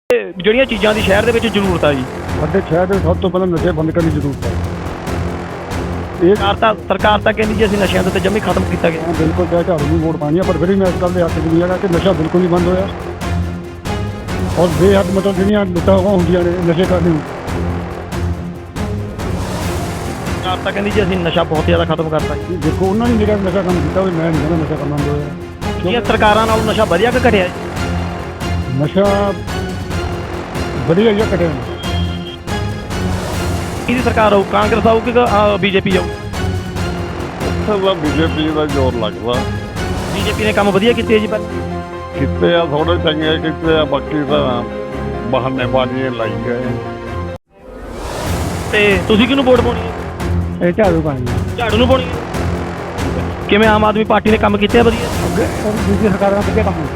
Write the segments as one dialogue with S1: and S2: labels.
S1: ਜਿਹੜੀਆਂ ਚੀਜ਼ਾਂ ਦੀ ਸ਼ਹਿਰ ਦੇ ਵਿੱਚ ਜ਼ਰੂਰਤ ਆ ਜੀ।
S2: ਸਾਡੇ ਸ਼ਹਿਰ ਦੇ ਸਭ ਤੋਂ ਪਹਿਲਾਂ ਨਸ਼ੇ ਬੰਦ ਕਰਨ ਦੀ ਜ਼ਰੂਰਤ ਹੈ। ਇਹ
S1: ਸਰਕਾਰ ਤਾਂ ਕਹਿੰਦੀ ਜੀ ਅਸੀਂ ਨਸ਼ਿਆਂ ਦੇ ਉੱਤੇ ਜੰਮੀ ਖਤਮ ਕੀਤਾ ਗਿਆ।
S2: ਬਿਲਕੁਲ ਚਾਹੇ ਝਾੜੂ ਨੂੰ ਵੋਟ ਪਾਣੀ ਆ, ਪਰ ਫਿਰ ਵੀ ਮੈਂ ਇਸ ਗੱਲ ਦੇ ਹੱਕ 'ਚ ਨਹੀਂ ਹੈਗਾ ਕਿ ਨਸ਼ਾ ਬਿਲਕੁਲ ਨਹੀਂ ਬੰਦ ਹੋਇਆ। ਔਰ ਬੇਹੱਦ ਮਤਲਬ ਜਿਹੜੀਆਂ ਲੁੱਟਾਂ ਹੁੰਦੀਆਂ ਨੇ ਨਸ਼ੇ ਕਰਨੇ ਨੂੰ,
S1: ਸਰਕਾਰ ਤਾਂ ਕਹਿੰਦੀ ਜੀ ਅਸੀਂ ਨਸ਼ਾ ਬਹੁਤ ਜ਼ਿਆਦਾ ਖਤਮ ਕਰਤਾ ਜੀ।
S2: ਦੇਖੋ ਉਹਨਾਂ ਨੇ ਜਿਹੜਾ ਨਸ਼ਾ ਕੰਮ ਕੀਤਾ ਉਹ ਮੈਂ ਨਹੀਂ ਕਹਿੰਦਾ ਨਸ਼ਾ ਕੰਮ ਬੰਦ ਹੋਇਆ।
S1: ਕਿਉਂਕਿ ਸਰਕਾਰਾਂ ਨਾਲੋਂ ਨਸ਼ਾ ਵਧੀਆ ਕਿ ਘਟਿਆ ਜੀ?
S2: ਨਸ਼ਾ ਵਧੀਆ ਜਿਹਾ ਘਟਿਆ ਨਹੀਂ।
S1: ਕਿਹਦੀ ਸਰਕਾਰ ਆਊ, ਕਾਂਗਰਸ ਆਊ ਕਿ ਬੀਜੇਪੀ ਆਊ?
S3: ਬੀਜੇਪੀ ਦਾ ਜ਼ੋਰ ਲੱਗਦਾ।
S1: ਬੀਜੇਪੀ ਨੇ ਕੰਮ ਵਧੀਆ ਕੀਤੇ ਜੀ ਪਹਿਲਾਂ।
S3: ਕਿਤੇ ਆ ਥੋੜੇ ਚੰਗੇ ਕੀਤੇ ਆ, ਬਾਕੀ ਤਾਂ ਬਹਾਨੇਬਾਜ਼ੀਆਂ ਲਾਈ ਗਏ।
S1: ਤੇ ਤੁਸੀਂ ਕਿਹਨੂੰ ਵੋਟ ਪਾਉਣੀ ਹੈ?
S2: ਇਹ ਝਾੜੂ ਪਾਣੀ
S1: ਝਾੜੂ ਨੂੰ ਪਾਉਣੀ ਹੈ। ਕਿਵੇਂ ਆਮ ਆਦਮੀ ਪਾਰਟੀ ਨੇ ਕੰਮ ਕੀਤੇ ਆ ਵਧੀਆ?
S2: ਅੱਗੇ ਦੂਜੀ ਸਰਕਾਰਾਂ ਨੇ ਵਧੀਆ ਕੰਮ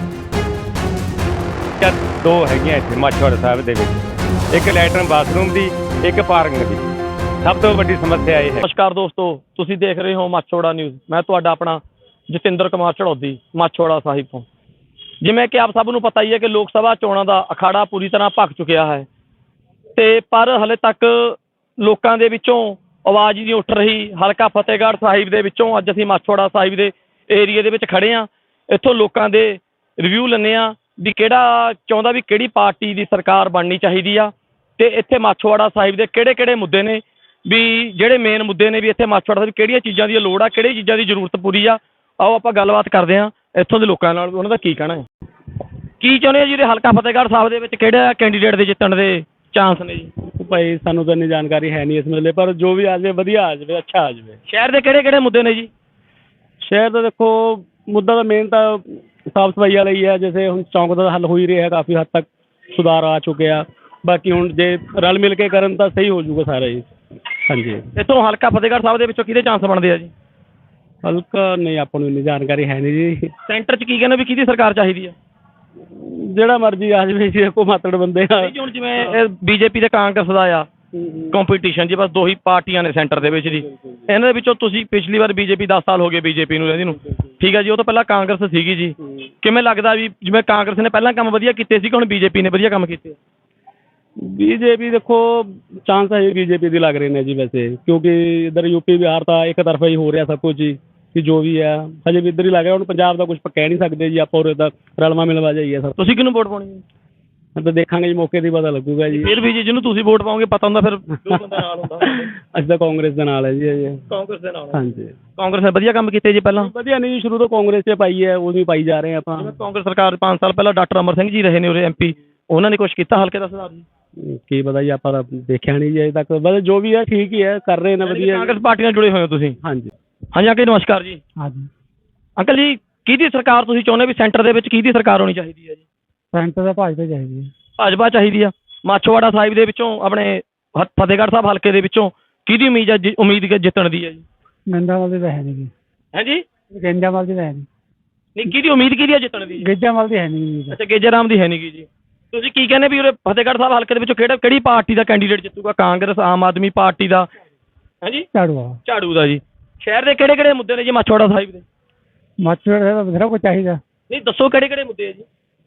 S2: ਕੀਤਾ।
S4: ਦੋ ਹੈਗੀਆਂ ਇੱਥੇ ਮਾਛੀਵਾੜਾ ਸਾਹਿਬ ਦੇ ਵਿੱਚ, ਇੱਕ ਲੈਟਰਨ ਬਾਥਰੂਮ ਦੀ, ਇੱਕ ਪਾਰਕਿੰਗ ਦੀ। ਸਭ ਤੋਂ ਵੱਡੀ ਸਮੱਸਿਆ ਇਹ ਹੈ।
S1: ਨਮਸਕਾਰ ਦੋਸਤੋ, ਤੁਸੀਂ ਦੇਖ ਰਹੇ ਹੋ ਮਾਛੀਵਾੜਾ ਨਿਊਜ਼। ਮੈਂ ਤੁਹਾਡਾ ਆਪਣਾ ਜਤਿੰਦਰ ਕੁਮਾਰ ਝੜੌਦੀ, ਮਾਛੀਵਾੜਾ ਸਾਹਿਬ ਤੋਂ। ਜਿਵੇਂ ਕਿ ਆਪ ਸਭ ਨੂੰ ਪਤਾ ਹੀ ਹੈ ਕਿ ਲੋਕ ਸਭਾ ਚੋਣਾਂ ਦਾ ਅਖਾੜਾ ਪੂਰੀ ਤਰ੍ਹਾਂ ਭਖ ਚੁੱਕਿਆ ਹੈ, ਤੇ ਪਰ ਹਲੇ ਤੱਕ ਲੋਕਾਂ ਦੇ ਵਿੱਚੋਂ ਆਵਾਜ਼ ਨਹੀਂ ਉੱਠ ਰਹੀ। ਹਲਕਾ ਫਤਿਹਗੜ੍ਹ ਸਾਹਿਬ ਦੇ ਵਿੱਚੋਂ ਅੱਜ ਅਸੀਂ ਮਾਛੀਵਾੜਾ ਸਾਹਿਬ ਦੇ ਏਰੀਏ ਦੇ ਵਿੱਚ ਖੜੇ ਹਾਂ। ਇੱਥੋਂ ਲੋਕਾਂ ਦੇ ਰਿਵਿਊ ਲੈਂਦੇ ਹਾਂ ਵੀ ਕਿਹੜਾ ਚਾਹੁੰਦਾ ਵੀ ਕਿਹੜੀ ਪਾਰਟੀ ਦੀ ਸਰਕਾਰ ਬਣਨੀ ਚਾਹੀਦੀ ਆ, ਤੇ ਇੱਥੇ ਮਾਛੀਵਾੜਾ ਸਾਹਿਬ ਦੇ ਕਿਹੜੇ ਕਿਹੜੇ ਮੁੱਦੇ ਨੇ, ਵੀ ਜਿਹੜੇ ਮੇਨ ਮੁੱਦੇ ਨੇ, ਵੀ ਇੱਥੇ ਮਾਛੀਵਾੜਾ ਸਾਹਿਬ ਕਿਹੜੀਆਂ ਚੀਜ਼ਾਂ ਦੀ ਲੋੜ ਆ, ਕਿਹੜੀਆਂ ਚੀਜ਼ਾਂ ਦੀ ਜ਼ਰੂਰਤ ਪੂਰੀ ਆ। ਆਓ ਆਪਾਂ ਗੱਲਬਾਤ ਕਰਦੇ ਹਾਂ ਇੱਥੋਂ ਦੇ ਲੋਕਾਂ ਨਾਲ, ਉਹਨਾਂ ਦਾ ਕੀ ਕਹਿਣਾ ਹੈ। ਕੀ ਚਾਹੁੰਦੇ ਆ ਜਿਹੜੇ ਹਲਕਾ ਫਤਿਹਗੜ੍ਹ ਸਾਹਿਬ ਦੇ ਵਿੱਚ ਕਿਹੜਾ ਕੈਂਡੀਡੇਟ ਦੇ ਜਿੱਤਣ ਦੇ ਚਾਂਸ ਨੇ ਜੀ?
S5: ਭਾਈ ਸਾਨੂੰ ਤਾਂ ਇੰਨੀ ਜਾਣਕਾਰੀ ਹੈ ਨਹੀਂ ਇਸ ਮਸਲੇ, ਪਰ ਜੋ ਵੀ ਆ ਜਾਵੇ ਵਧੀਆ ਆ ਜਾਵੇ, ਅੱਛਾ ਆ ਜਾਵੇ।
S1: ਸ਼ਹਿਰ ਦੇ ਕਿਹੜੇ ਕਿਹੜੇ ਮੁੱਦੇ ਨੇ ਜੀ?
S5: ਸ਼ਹਿਰ ਦਾ ਦੇਖੋ ਮੁੱਦਾ ਤਾਂ ਮੇਨ ਤਾਂ ਸਾਫ ਸਫਾਈ ਵਾਲਾ ਹੀ ਹੈ। ਜੈਸੇ ਹੁਣ ਚੌਂਕ ਦਾ ਹੱਲ ਹੋ ਹੀ ਰਿਹਾ, ਕਾਫੀ ਹੱਦ ਤੱਕ ਸੁਧਾਰ ਆ ਚੁੱਕਿਆ। ਬਾਕੀ ਹੁਣ ਜੇ ਰਲ ਮਿਲ ਕੇ ਕਰਨ ਤਾਂ ਸਹੀ ਹੋ ਜਾਊਗਾ ਸਾਰਾ ਜੀ। ਹਾਂਜੀ,
S1: ਇੱਥੋਂ ਹਲਕਾ ਫਤਿਹਗੜ੍ਹ ਸਾਹਿਬ ਦੇ ਵਿੱਚੋਂ ਕਿਹਦੇ ਚਾਂਸ ਬਣਦੇ ਆ ਜੀ?
S5: ਹਲਕਾ ਨਹੀਂ, ਆਪਾਂ ਨੂੰ ਇੰਨੀ ਜਾਣਕਾਰੀ ਹੈ ਨਹੀਂ ਜੀ।
S1: ਸੈਂਟਰ 'ਚ ਕੀ ਕਹਿੰਦੇ ਵੀ ਕਿਹਦੀ ਸਰਕਾਰ ਚਾਹੀਦੀ ਆ?
S5: ਜਿਹੜਾ ਮਰਜ਼ੀ ਆ ਜਾਵੇ ਜੀ, ਕੋ ਮਾਤੜ ਬੰਦੇ ਆ।
S1: ਹੁਣ ਜਿਵੇਂ ਬੀਜੇਪੀ ਤੇ ਕਾਂਗਰਸ ਦਾ ਆ ਕੰਪੀਟੀਸ਼ਨ ਜੀ, ਬਸ ਦੋ ਹੀ ਪਾਰਟੀਆਂ ਨੇ ਸੈਂਟਰ ਦੇ ਵਿੱਚ ਜੀ। ਇਹਨਾਂ ਦੇ ਵਿੱਚੋਂ ਤੁਸੀਂ ਪਿਛਲੀ ਵਾਰ ਬੀਜੇਪੀ 10 ਸਾਲ ਹੋ ਗਏ ਬੀਜੇਪੀ ਨੂੰ ਰਹਿੰਦੀ ਨੂੰ, ਠੀਕ ਹੈ ਜੀ। ਉਹ ਤੋਂ ਪਹਿਲਾਂ ਕਾਂਗਰਸ ਸੀਗੀ ਜੀ। ਕਿਵੇਂ ਲੱਗਦਾ ਵੀ ਜਿਵੇਂ ਕਾਂਗਰਸ ਨੇ ਪਹਿਲਾਂ ਕੰਮ ਵਧੀਆ ਕੀਤੇ ਸੀ, ਹੁਣ ਬੀਜੇਪੀ ਨੇ ਵਧੀਆ ਕੰਮ ਕੀਤੇ?
S5: ਬੀਜੇਪੀ ਦੇਖੋ ਚਾਂਸ ਹੈ ਬੀਜੇਪੀ ਦੀ ਲੱਗ ਰਹੇ ਨੇ ਜੀ ਵੈਸੇ, ਕਿਉਂਕਿ ਇੱਧਰ ਯੂਪੀ ਬਿਹਾਰ ਤਾਂ ਇੱਕ ਤਰਫਾ ਹੀ ਹੋ ਰਿਹਾ ਸਭ ਕੁਝ ਜੀ, ਕਿ ਜੋ ਵੀ ਹੈ ਹਜੇ ਵੀ ਇੱਧਰ ਹੀ ਲੱਗ ਰਿਹਾ। ਹੁਣ ਪੰਜਾਬ ਦਾ ਕੁਝ ਕਹਿ ਨਹੀਂ ਸਕਦੇ ਜੀ ਆਪਾਂ, ਉਰੇ ਦਾ ਰਲਵਾ ਮਿਲਵਾ ਜਾਈਏ ਸਭ।
S1: ਤੁਸੀਂ ਕਿਹਨੂੰ ਵੋਟ ਪਾਉਣੀ ਹੈ?
S5: ਤਾਂ ਦੇਖਾਂਗੇ ਜੀ, ਮੌਕੇ ਦੀ ਪਤਾ ਲੱਗੂਗਾ ਜੀ।
S1: ਫਿਰ ਵੀ ਜੀ ਜਿਹਨੂੰ ਤੁਸੀਂ ਵੋਟ ਪਾਓਗੇ ਪਤਾ ਹੁੰਦਾ ਫਿਰ ਜੋ ਬੰਦਾ ਨਾਲ ਹੁੰਦਾ।
S5: ਅਸੀਂ ਤਾਂ ਕਾਂਗਰਸ ਦੇ ਨਾਲ ਹੈ ਜੀ ਅਜੇ।
S1: ਕਾਂਗਰਸ ਦੇ ਨਾਲ?
S5: ਹਾਂਜੀ,
S1: ਕਾਂਗਰਸ ਨੇ ਵਧੀਆ ਕੰਮ ਕੀਤੇ ਜੀ ਪਹਿਲਾਂ?
S5: ਵਧੀਆ ਨਹੀਂ, ਸ਼ੁਰੂ ਤੋਂ ਕਾਂਗਰਸ 'ਚ ਪਾਈ ਹੈ, ਉਹ ਵੀ ਪਾਈ ਜਾ ਰਹੇ ਆਪਾਂ।
S1: ਜਿਵੇਂ ਕਾਂਗਰਸ ਸਰਕਾਰ 5 ਸਾਲ ਪਹਿਲਾਂ ਡਾਕਟਰ ਅਮਰ ਸਿੰਘ ਜੀ ਰਹੇ ਨੇ ਉਰੇ MP, ਉਹਨਾਂ ਨੇ ਕੁਛ ਕੀਤਾ ਹਲਕੇ ਦਾ ਸੁਧਾਰ ਜੀ?
S5: ਕੀ ਪਤਾ ਜੀ, ਆਪਾਂ ਤਾਂ ਦੇਖਿਆ ਨਹੀਂ ਜੀ ਅਜੇ ਤੱਕ। ਬਸ ਜੋ ਵੀ ਹੈ ਠੀਕ ਹੀ ਹੈ, ਕਰ ਰਹੇ ਨੇ ਵਧੀਆ।
S1: ਕਾਂਗਰਸ ਪਾਰਟੀ ਨਾਲ ਜੁੜੇ ਹੋਏ ਹੋ ਤੁਸੀਂ?
S5: ਹਾਂਜੀ
S1: ਹਾਂਜੀ ਅੰਕਲ ਨਮਸਕਾਰ ਜੀ।
S2: ਹਾਂਜੀ,
S1: ਅੰਕਲ ਜੀ ਕਿਹਦੀ ਸਰਕਾਰ ਤੁਸੀਂ ਚਾਹੁੰਦੇ ਵੀ ਸੈਂਟਰ ਦੇ ਵਿੱਚ ਕਿਹਦੀ ਸਰਕਾਰ ਹੋਣੀ ਚਾਹੀਦੀ ਹੈ ਜੀ?
S2: ਸੈਂਟਰ ਦਾ ਭਾਜਪਾ ਚਾਹੀਦੀ ਹੈ।
S1: ਭਾਜਪਾ ਚਾਹੀਦੀ ਆ। ਮਾਛੀਵਾੜਾ ਸਾਹਿਬ ਦੇ ਵਿੱਚੋਂ ਆਪਣੇ ਫਤਿਹਗੜ੍ਹ ਸਾਹਿਬ ਹਲਕੇ ਦੇ ਵਿੱਚੋਂ ਕਿਹਦੀ ਉਮੀਦ ਜਿੱਤਣ ਦੀ ਹੈ ਜੀ?
S2: ਗੰਜਾਮਲ ਦੀ ਤਾਂ ਹੈ ਨਹੀਂ ਜੀ।
S1: ਹਾਂਜੀ,
S2: ਗੰਜਾਮਲ ਦੀ ਤਾਂ ਹੈ ਨਹੀਂ।
S1: ਨਹੀਂ ਕਿਹਦੀ ਉਮੀਦ ਕਿਹਦੀ ਆ ਜਿੱਤਣ ਦੀ?
S2: ਗੰਜਾਮਲ ਦੀ ਹੈ ਨਹੀਂ।
S1: ਅੱਛਾ, ਗੇਜਰਾਮ ਦੀ ਹੈ ਨਹੀਂ ਗੀ ਜੀ। ਤੁਸੀਂ ਕੀ ਕਹਿੰਦੇ ਵੀ ਉਰੇ ਫਤਿਹਗੜ੍ਹ ਸਾਹਿਬ ਹਲਕੇ ਦੇ ਵਿੱਚੋਂ ਕਿਹੜੀ ਪਾਰਟੀ ਦਾ ਕੈਂਡੀਡੇਟ ਜਿੱਤੂਗਾ? ਕਾਂਗਰਸ, ਆਮ ਆਦਮੀ ਪਾਰਟੀ ਦਾ? ਹਾਂਜੀ,
S2: ਝਾੜੂ
S1: ਝਾੜੂ ਦਾ ਜੀ। ਸ਼ਹਿਰ ਦੇ ਕਿਹੜੇ ਕਿਹੜੇ ਮੁੱਦੇ ਨੇ ਜੀ ਮਾਛੀਵਾੜਾ ਸਾਹਿਬ ਦੇ?
S2: ਮਾਛੀਵਾੜਾ ਦਾ ਬਥੇਰਾ ਕੁਝ ਚਾਹੀਦਾ।
S1: ਨਹੀਂ ਦੱਸੋ ਕਿਹੜੇ ਕਿਹੜੇ ਮੁੱਦੇ ਆ ਜੀ?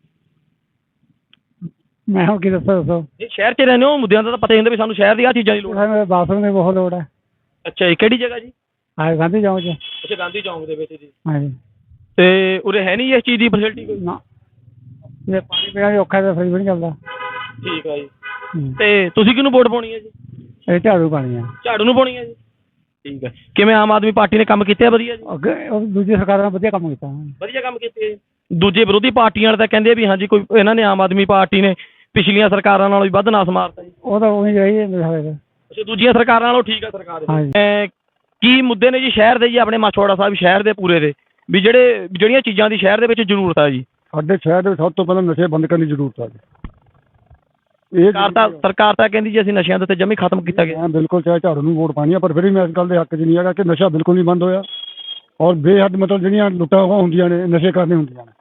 S2: ਮੈਂ ਹੁਣ ਕੀ ਦੱਸੋ
S1: ਨਹੀਂ ਸ਼ਹਿਰ 'ਚ ਰਹਿੰਦੇ ਹੋ, ਮੁੱਦਿਆਂ ਦਾ ਤਾਂ ਪਤਾ ਹੀ ਹੁੰਦਾ ਵੀ ਸਾਨੂੰ ਸ਼ਹਿਰ ਦੀ ਆਹ ਚੀਜ਼ਾਂ ਦੀ ਲੋੜ ਹੈ।
S2: ਸਾਨੂੰ ਬਾਥਰੂਮ ਦੀ ਬਹੁਤ ਲੋੜ ਹੈ।
S1: ਅੱਛਾ ਜੀ, ਕਿਹੜੀ ਜਗ੍ਹਾ ਜੀ?
S2: ਹਾਂ, ਗਾਂਧੀ ਚੌਂਕ 'ਚ।
S1: ਅੱਛਾ, ਗਾਂਧੀ ਚੌਂਕ ਦੇ ਵਿੱਚ ਜੀ।
S2: ਹਾਂਜੀ,
S1: ਤੇ ਉਰੇ ਹੈ ਨਹੀਂ ਇਸ ਚੀਜ਼ ਦੀ ਫੈਸਿਲਿਟੀ ਕੋਈ?
S2: ਨਾ, ਜੇ ਪਾਣੀ ਪੀਣਾ ਵੀ ਔਖਾ ਤਾਂ ਫਰਿੱਜ ਵੀ ਨਹੀਂ ਚੱਲਦਾ।
S1: ਠੀਕ ਆ ਜੀ। ਤੇ ਤੁਸੀਂ ਕਿਹਨੂੰ ਵੋਟ ਪਾਉਣੀ ਹੈ ਜੀ?
S2: ਇਹ ਝਾੜੂ ਪਾਣੀ ਆ।
S1: ਝਾੜੂ ਨੂੰ ਪਾਉਣੀ ਹੈ ਜੀ। ਠੀਕ ਹੈ। ਕਿਵੇਂ ਆਮ ਆਦਮੀ ਪਾਰਟੀ ਨੇ ਕੰਮ ਕੀਤੇ ਆ ਵਧੀਆ ਜੀ?
S2: ਅੱਗੇ ਉਹ ਦੂਜੀ ਸਰਕਾਰਾਂ ਨੇ ਵਧੀਆ ਕੰਮ ਕੀਤਾ।
S1: ਵਧੀਆ ਕੰਮ ਕੀਤੇ। ਦੂਜੇ ਵਿਰੋਧੀ ਪਾਰਟੀਆਂ ਵਾਲੇ ਤਾਂ ਕਹਿੰਦੇ ਵੀ ਹਾਂਜੀ ਕੋਈ ਇਹਨਾਂ ਨੇ ਆਮ ਆਦਮੀ ਪਾਰਟੀ ਨੇ ਪਿਛਲੀਆਂ ਸਰਕਾਰਾਂ ਨਾਲੋਂ ਵੀ ਵੱਧ ਨਾਸ ਮਾਰਤਾ ਜੀ।
S2: ਉਹ ਤਾਂ ਉਹੀ ਰਹੀ ਹੈ ਮੇਰੇ।
S1: ਅੱਛਾ, ਦੂਜੀਆਂ ਸਰਕਾਰਾਂ ਨਾਲੋਂ ਠੀਕ ਆ ਸਰਕਾਰ
S2: ਹਾਂਜੀ।
S1: ਕੀ ਮੁੱਦੇ ਨੇ ਜੀ ਸ਼ਹਿਰ ਦੇ ਜੀ, ਆਪਣੇ ਮਾਛੀਵਾੜਾ ਸਾਹਿਬ ਸ਼ਹਿਰ ਦੇ ਪੂਰੇ ਦੇ, ਵੀ ਜਿਹੜੀਆਂ ਚੀਜ਼ਾਂ ਦੀ ਸ਼ਹਿਰ ਦੇ ਵਿੱਚ ਜ਼ਰੂਰਤ ਆ ਜੀ?
S2: ਸਾਡੇ ਸ਼ਹਿਰ ਦੇ ਸਭ ਤੋਂ ਪਹਿਲਾਂ ਨਸ਼ੇ ਬੰਦ ਕਰਨ ਦੀ ਜ਼ਰੂਰਤ ਹੈ। ਇਹ
S1: ਸਰਕਾਰ ਤਾਂ ਕਹਿੰਦੀ ਜੀ ਅਸੀਂ ਨਸ਼ਿਆਂ ਦੇ ਉੱਤੇ ਜੰਮੀ ਖਤਮ ਕੀਤਾ ਗਿਆ।
S2: ਬਿਲਕੁਲ ਚਾਹੇ ਝਾੜੂ ਨੂੰ ਵੋਟ ਪਾਣੀ ਆ, ਪਰ ਫਿਰ ਵੀ ਮੈਂ ਇਸ ਗੱਲ ਦੇ ਹੱਕ 'ਚ ਨਹੀਂ ਹੈਗਾ ਕਿ ਨਸ਼ਾ ਬਿਲਕੁਲ ਨਹੀਂ ਬੰਦ ਹੋਇਆ। ਔਰ ਬੇਹੱਦ ਮਤਲਬ ਜਿਹੜੀਆਂ ਲੁੱਟਾਂ ਹੁੰਦੀਆਂ ਨੇ ਨਸ਼ੇ ਕਰਨੇ ਹੁੰਦੀਆਂ ਨੇ।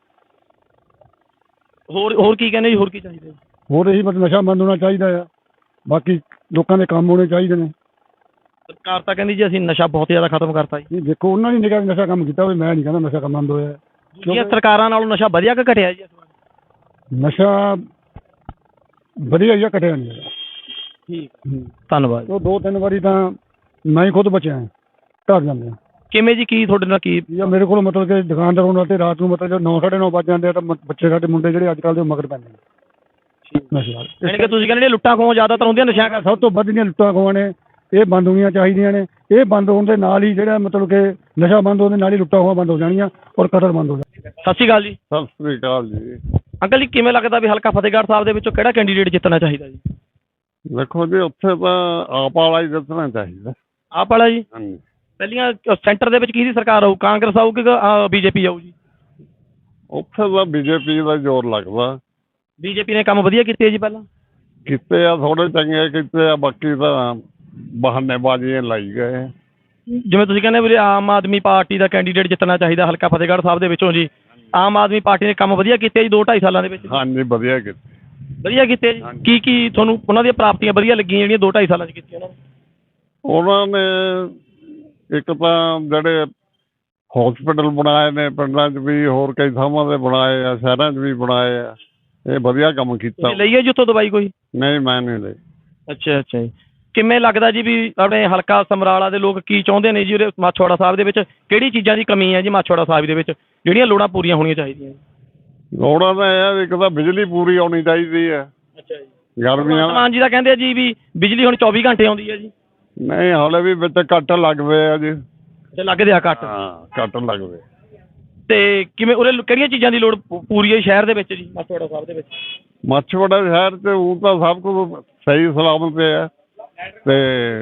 S1: ਹੋਰ ਕੀ ਕਹਿੰਦੇ ਜੀ, ਹੋਰ ਕੀ ਚਾਹੀਦਾ?
S2: ਹੋਰ ਇਹੀ ਮਤਲਬ ਨਸ਼ਾ ਬੰਦ ਹੋਣਾ ਚਾਹੀਦਾ ਆ। ਬਾਕੀ ਲੋਕਾਂ ਦੇ ਕੰਮ ਹੋਣੇ ਚਾਹੀਦੇ ਨੇ।
S1: ਸਰਕਾਰ ਤਾਂ ਕਹਿੰਦੀ ਜੀ ਅਸੀਂ ਨਸ਼ਾ ਬਹੁਤ ਜ਼ਿਆਦਾ ਖਤਮ ਕਰਤਾ ਜੀ।
S2: ਦੇਖੋ ਉਹਨਾਂ ਨੇ ਨਿਕਾ ਨਸ਼ਾ ਕੰਮ ਕੀਤਾ ਹੋਵੇ, ਮੈਂ ਨਹੀਂ ਕਹਿੰਦਾ ਨਸ਼ਾ ਕੰਮ ਬੰਦ ਹੋਇਆ।
S1: ਦੂਜੀਆਂ ਸਰਕਾਰਾਂ ਨਾਲੋਂ ਨਸ਼ਾ ਵਧੀਆ ਕਿ ਘਟਿਆ ਜੀ?
S2: ਨਸ਼ਾ ਵਧੀਆ ਜਿਹਾ ਕਟਿਆ ਨਹੀਂ ਹੈਗਾ।
S1: ਠੀਕ ਧੰਨਵਾਦ।
S2: ਉਹ 2-3 ਵਾਰੀ ਤਾਂ ਮੈਂ ਹੀ ਖੁਦ ਬਚਿਆ ਘਰ ਜਾਂਦੇ ਆ।
S1: ਕਿਵੇਂ ਜੀ ਕੀ ਤੁਹਾਡੇ ਨਾਲ ਕੀ
S2: ਜਾਂ ਮੇਰੇ ਕੋਲ ਮਤਲਬ ਕਿ ਦੁਕਾਨਦਾਰ ਉਹਨਾਂ ਤੇ ਰਾਤ ਨੂੰ ਮਤਲਬ 9-9:30 ਵੱਜ ਜਾਂਦੇ ਆ ਤਾਂ ਬੱਚੇ ਸਾਡੇ ਮੁੰਡੇ ਜਿਹੜੇ ਅੱਜ ਕੱਲ੍ਹ ਦੇ ਮਗਰ ਪੈਂਦੇ ਨੇ ਨਸ਼ੇ ਨਾਲ।
S1: ਯਾਨੀ ਕਿ ਤੁਸੀਂ ਕਹਿੰਦੇ ਲੁੱਟਾਂ ਖੋਹਾਂ ਜ਼ਿਆਦਾਤਰ ਹੁੰਦੀਆਂ ਨਸ਼ਿਆਂ ਕਰਕੇ।
S2: ਸਭ ਤੋਂ ਵੱਧ ਜਿਹੜੀਆਂ ਲੁੱਟਾਂ ਖੋਹਾਂ ਨੇ ਇਹ ਬੰਦ ਹੋਣੀਆਂ ਚਾਹੀਦੀਆਂ ਨੇ। ਇਹ ਬੰਦ ਹੋਣ ਦੇ ਨਾਲ ਹੀ ਜਿਹੜਾ ਮਤਲਬ ਕਿ ਨਸ਼ਾ ਬੰਦ ਹੋਣ ਦੇ ਨਾਲ ਹੀ ਲੁੱਟਾਂ ਖੋਹਾਂ ਬੰਦ ਹੋ ਜਾਣੀਆਂ ਔਰ ਕਤਲ ਬੰਦ ਹੋ ਜਾਣਗੇ।
S1: ਸਤਿ ਸ਼੍ਰੀ ਅਕਾਲ ਜੀ।
S3: ਸਤਿ ਸ੍ਰੀ ਅਕਾਲ ਜੀ।
S1: ਅੰਕਲ ਜੀ ਕਿਵੇਂ ਲੱਗਦਾ ਵੀ ਹਲਕਾ ਫਤਿਹਗੜ੍ਹ ਸਾਹਿਬ ਦੇ ਵਿੱਚੋਂ ਕਿਹੜਾ ਕੈਂਡੀਡੇਟ ਜਿੱਤਣਾ ਚਾਹੀਦਾ ਜੀ?
S3: ਦੇਖੋ ਜੀ ਉੱਥੇ ਤਾਂ ਆਪ ਵਾਲਾ ਹੀ ਦੱਸਣਾ ਚਾਹੀਦਾ।
S1: ਆਪ ਵਾਲਾ ਜੀ?
S3: ਹਾਂਜੀ।
S1: ਪਹਿਲੀਆਂ ਸੈਂਟਰ ਦੇ ਵਿੱਚ ਕਿਹਦੀ ਸਰਕਾਰ ਆਊ? ਕਾਂਗਰਸ ਆਊ ਕਿ ਬੀਜੇਪੀ ਆਊ ਜੀ?
S3: ਉੱਥੇ ਤਾਂ ਬੀਜੇਪੀ ਦਾ ਜ਼ੋਰ ਲੱਗਦਾ।
S1: ਬੀਜੇਪੀ ਨੇ ਕੰਮ ਵਧੀਆ ਕੀਤੇ ਜੀ ਪਹਿਲਾਂ?
S3: ਕੀਤੇ ਆ ਥੋੜੇ ਚੰਗੇ ਕੀਤੇ ਆ, ਬਾਕੀ ਤਾਂ ਬਹਾਨੇਬਾਜ਼ੀਆਂ ਲਾਈ ਗਏ।
S1: ਜਿਵੇਂ ਤੁਸੀਂ ਕਹਿੰਦੇ ਵੀ ਆਮ ਆਦਮੀ ਪਾਰਟੀ ਦਾ ਕੈਂਡੀਡੇਟ ਜਿੱਤਣਾ ਚਾਹੀਦਾ ਹਲਕਾ ਫਤਿਹਗੜ੍ਹ ਸਾਹਿਬ ਦੇ ਵਿੱਚੋਂ ਜੀ, ਆਮ ਆਦਮੀ ਪਾਰਟੀ ਨੇ ਕੰਮ ਵਧੀਆ ਕੀਤੇ ਜੀ 2-2.5 ਸਾਲਾਂ ਦੇ ਵਿੱਚ?
S3: ਹਾਂਜੀ ਵਧੀਆ ਕੀਤੇ।
S1: ਵਧੀਆ ਕੀਤੇ ਜੀ। ਕੀ ਕੀ ਤੁਹਾਨੂੰ ਉਹਨਾਂ ਦੀਆਂ ਪ੍ਰਾਪਤੀਆਂ ਵਧੀਆ ਲੱਗੀਆਂ ਜਿਹੜੀਆਂ 2-2.5 ਸਾਲਾਂ 'ਚ ਕੀਤੀਆਂ
S3: ਉਹਨਾਂ ਨੇ? ਇੱਕ ਤਾਂ ਜਿਹੜੇ ਹੌਸਪੀਟਲ ਬਣਾਏ ਨੇ ਪਿੰਡਾਂ 'ਚ ਵੀ, ਹੋਰ ਕਈ ਥਾਵਾਂ 'ਤੇ ਬਣਾਏ ਆ, ਸ਼ਹਿਰਾਂ 'ਚ ਵੀ ਬਣਾਏ ਆ। ਇਹ ਵਧੀਆ ਕੰਮ ਕੀਤਾ।
S1: ਤੁਸੀਂ ਲਈ ਹੈ ਜੀ ਉੱਥੋਂ ਦਵਾਈ ਕੋਈ?
S3: ਨਹੀਂ ਮੈਂ ਨਹੀਂ ਲਈ।
S1: ਅੱਛਾ ਅੱਛਾ ਜੀ। ਕਿਵੇਂ ਲੱਗਦਾ ਜੀ ਵੀ ਆਪਣੇ ਹਲਕਾ ਸਮਰਾਲਾ ਦੇ ਲੋਕ ਕੀ ਚਾਹੁੰਦੇ ਨੇ ਜੀ ਉਰੇ ਮਾਛੋੜਾ ਸਾਹਿਬ ਦੇ ਵਿੱਚ? ਕਿਹੜੀ ਚੀਜ਼ਾਂ ਦੀ ਕਮੀ ਹੈ ਜੀ ਮਾਛੋੜਾ ਸਾਹਿਬ ਦੇ ਵਿੱਚ ਜਿਹੜੀਆਂ ਲੋੜਾਂ ਪੂਰੀਆਂ ਹੋਣੀਆਂ ਚਾਹੀਦੀਆਂ?
S3: ਲੋੜਾਂ ਤਾਂ ਇਹ ਆ ਵੀ ਇੱਕ ਤਾਂ ਬਿਜਲੀ ਪੂਰੀ ਆਉਣੀ ਚਾਹੀਦੀ ਹੈ।
S1: ਅੱਛਾ ਜੀ।
S3: ਗਰਮੀਆਂ
S1: ਮਾਨ ਜੀ ਦਾ ਕਹਿੰਦੇ ਆ ਜੀ ਵੀ ਬਿਜਲੀ ਹੁਣ 24 ਘੰਟੇ ਆਉਂਦੀ ਹੈ ਜੀ।
S3: ਨਹੀਂ ਹਾਲੇ ਵੀ ਵਿੱਚ ਕੱਟ ਲੱਗ ਪਏ ਆ ਜੀ।
S1: ਤੇ ਲੱਗਦੇ ਆ ਕੱਟ?
S3: ਹਾਂ ਕੱਟ ਲੱਗ ਪਏ।
S1: ਤੇ ਕਿਵੇਂ ਉਰੇ ਕਿਹੜੀਆਂ ਚੀਜ਼ਾਂ ਦੀ ਲੋੜ ਪੂਰੀ ਹੈ ਸ਼ਹਿਰ ਦੇ ਵਿੱਚ ਜੀ ਮਾਛੋੜਾ ਸਾਹਿਬ ਦੇ ਵਿੱਚ?
S3: ਮਾਛੀਵਾੜਾ ਸ਼ਹਿਰ 'ਚ ਉਹ ਤਾਂ ਸਭ ਕੁਝ ਸਹੀ ਸਲਾਮਤ ਹੈ ਤੇ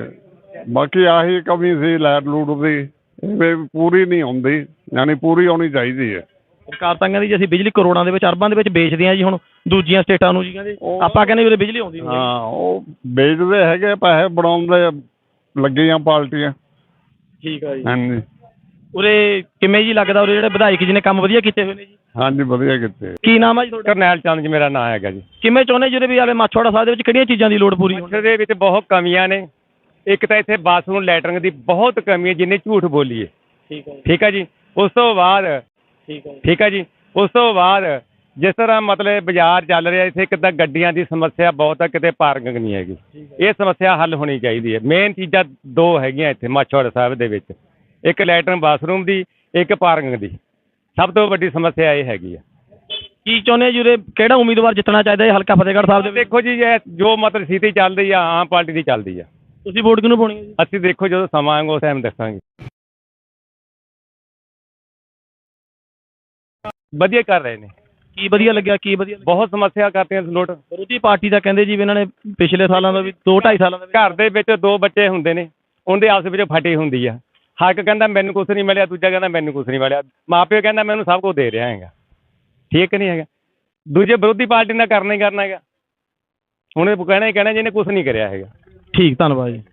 S3: ਬਾਕੀ ਆਹੀ ਕਮੀ ਸੀ ਲਾਈਟ ਲੂਟ ਦੀ, ਇਹ ਪੂਰੀ ਨਹੀਂ ਹੁੰਦੀ, ਯਾਨੀ ਪੂਰੀ ਆਉਣੀ ਚਾਹੀਦੀ ਹੈ।
S1: ਸਰਕਾਰ ਤਾਂ ਕਹਿੰਦੀ ਜੀ ਅਸੀਂ ਬਿਜਲੀ ਕਰੋੜਾਂ ਦੇ ਵਿੱਚ ਅਰਬਾਂ ਦੇ ਵਿੱਚ ਵੇਚਦੇ ਹਾਂ ਜੀ ਹੁਣ ਦੂਜੀਆਂ ਸਟੇਟਾਂ ਨੂੰ ਜੀ, ਕਹਿੰਦੇ ਆਪਾਂ ਕਹਿੰਦੇ ਉਰੇ ਬਿਜਲੀ ਆਉਂਦੀ ਨਹੀਂ।
S3: ਹਾਂ ਉਹ ਵੇਚਦੇ ਹੈਗੇ, ਪੈਸੇ ਬਣਾਉਂਦੇ ਲੱਗੀਆਂ ਪਾਰਟੀਆਂ।
S1: ਠੀਕ ਆ ਜੀ।
S3: ਹਾਂਜੀ।
S1: ਉਰੇ ਕਿਵੇਂ ਜੀ ਲੱਗਦਾ ਉਰੇ ਜਿਹੜੇ ਵਿਧਾਇਕ ਜੀ ਨੇ ਕੰਮ ਵਧੀਆ ਕੀਤੇ ਹੋਏ ਨੇ ਜੀ?
S3: ਹਾਂਜੀ ਵਧੀਆ ਕੀਤੇ।
S1: ਕੀ ਨਾਮ ਆ ਜੀ ਤੁਹਾਡਾ?
S4: ਕਰਨੈਲ ਚੰਦ ਜੀ ਮੇਰਾ ਨਾਂ ਹੈਗਾ ਜੀ।
S1: ਕਿਵੇਂ ਚਾਹੁੰਦੇ ਜਿਹੜੇ ਵੀ ਆਲੇ ਮਾਛੋੜਾ ਸਾਹਿਬ ਦੇ ਵਿੱਚ ਕਿਹੜੀਆਂ ਚੀਜ਼ਾਂ ਦੀ ਲੋੜ ਪੂਰੀ ਹੋਣੀ?
S4: ਦੇ ਵਿੱਚ ਬਹੁਤ ਕਮੀਆਂ ਨੇ। ਇੱਕ ਤਾਂ ਇੱਥੇ ਬਾਥਰੂਮ ਲੈਟਰਿੰਗ ਦੀ ਬਹੁਤ ਕਮੀ ਹੈ, ਜਿੰਨੇ ਝੂਠ ਬੋਲੀਏ।
S1: ਠੀਕ ਹੈ ਜੀ।
S4: ਠੀਕ ਹੈ ਜੀ। ਉਸ ਤੋਂ ਬਾਅਦ ਠੀਕ ਹੈ ਜੀ, ਉਸ ਤੋਂ ਬਾਅਦ ਜਿਸ ਤਰ੍ਹਾਂ ਮਤਲਬ ਬਾਜ਼ਾਰ ਚੱਲ ਰਿਹਾ ਇੱਥੇ, ਇੱਕ ਤਾਂ ਗੱਡੀਆਂ ਦੀ ਸਮੱਸਿਆ ਬਹੁਤ ਹੈ, ਕਿਤੇ ਪਾਰਕਿੰਗ ਨਹੀਂ ਹੈਗੀ। ਇਹ ਸਮੱਸਿਆ ਹੱਲ ਹੋਣੀ ਚਾਹੀਦੀ ਹੈ। ਮੇਨ ਚੀਜ਼ਾਂ ਦੋ ਹੈਗੀਆਂ ਇੱਥੇ ਮਾਛੋੜਾ ਸਾਹਿਬ ਦੇ ਵਿੱਚ, ਇੱਕ ਲੈਟਰਿਨ ਬਾਥਰੂਮ ਦੀ, ਇੱਕ ਪਾਰਕਿੰਗ ਦੀ। ਸਭ ਤੋਂ ਵੱਡੀ ਸਮੱਸਿਆ ਇਹ ਹੈਗੀ ਆ।
S1: ਕੀ ਚਾਹੁੰਦੇ ਜੀ ਉਰੇ ਕਿਹੜਾ ਉਮੀਦਵਾਰ ਜਿੱਤਣਾ ਚਾਹੀਦਾ ਹੈ ਹਲਕਾ ਫਤਿਹਗੜ੍ਹ ਸਾਹਿਬ ਦੇ ਵਿੱਚ?
S4: ਦੇਖੋ ਜੀ ਇਹ ਜੋ ਮਤਲਬ ਸਥਿਤੀ ਚੱਲ ਰਹੀ ਆ ਆਮ ਪਾਰਟੀ ਦੀ ਚੱਲਦੀ ਆ।
S1: ਤੁਸੀਂ ਵੋਟ ਕਿਹਨੂੰ ਪਾਉਣੀ ਹੈ ਜੀ?
S4: ਅਸੀਂ ਦੇਖੋ ਜਦੋਂ ਸਮਾਂ ਆਏਗਾ ਉਸ ਟਾਈਮ ਦੱਸਾਂਗੇ। ਵਧੀਆ ਕਰ ਰਹੇ ਨੇ।
S1: ਕੀ ਵਧੀਆ ਲੱਗਿਆ? ਕੀ ਵਧੀਆ ਲੱਗਿਆ?
S4: ਬਹੁਤ ਸਮੱਸਿਆ ਕਰਤੀਆਂ ਲੋਟ।
S1: ਵਿਰੋਧੀ ਪਾਰਟੀ ਦਾ ਕਹਿੰਦੇ ਜੀ ਵੀ ਇਹਨਾਂ ਨੇ ਪਿਛਲੇ ਸਾਲਾਂ ਦਾ ਵੀ 2-2.5 ਸਾਲਾਂ ਦਾ ਵੀ
S4: ਘਰ ਦੇ ਵਿੱਚ ਦੋ ਬੱਚੇ ਹੁੰਦੇ ਨੇ, ਉਹਦੇ ਆਪਸ ਵਿੱਚ ਫਟੀ ਹੁੰਦੀ ਆ। ਹੱਕ ਕਹਿੰਦਾ ਮੈਨੂੰ ਕੁਛ ਨਹੀਂ ਮਿਲਿਆ, ਦੂਜਾ ਕਹਿੰਦਾ ਮੈਨੂੰ ਕੁਛ ਨਹੀਂ ਮਿਲਿਆ, ਮਾਂ ਪਿਓ ਕਹਿੰਦਾ ਮੈਨੂੰ ਸਭ ਕੁਝ ਦੇ ਰਿਹਾ ਹੈਗਾ। ਠੀਕ ਨਹੀਂ ਹੈਗਾ। ਦੂਜੇ ਵਿਰੋਧੀ ਪਾਰਟੀ ਨਾਲ ਕਰਨਾ ਹੀ ਕਰਨਾ ਹੈਗਾ। ਹੁਣ ਇਹ ਕਹਿਣਾ ਹੀ ਕਹਿਣਾ ਜਿਹਨੇ ਕੁਛ ਨਹੀਂ ਕਰਿਆ ਹੈਗਾ।
S1: ਠੀਕ, ਧੰਨਵਾਦ ਜੀ।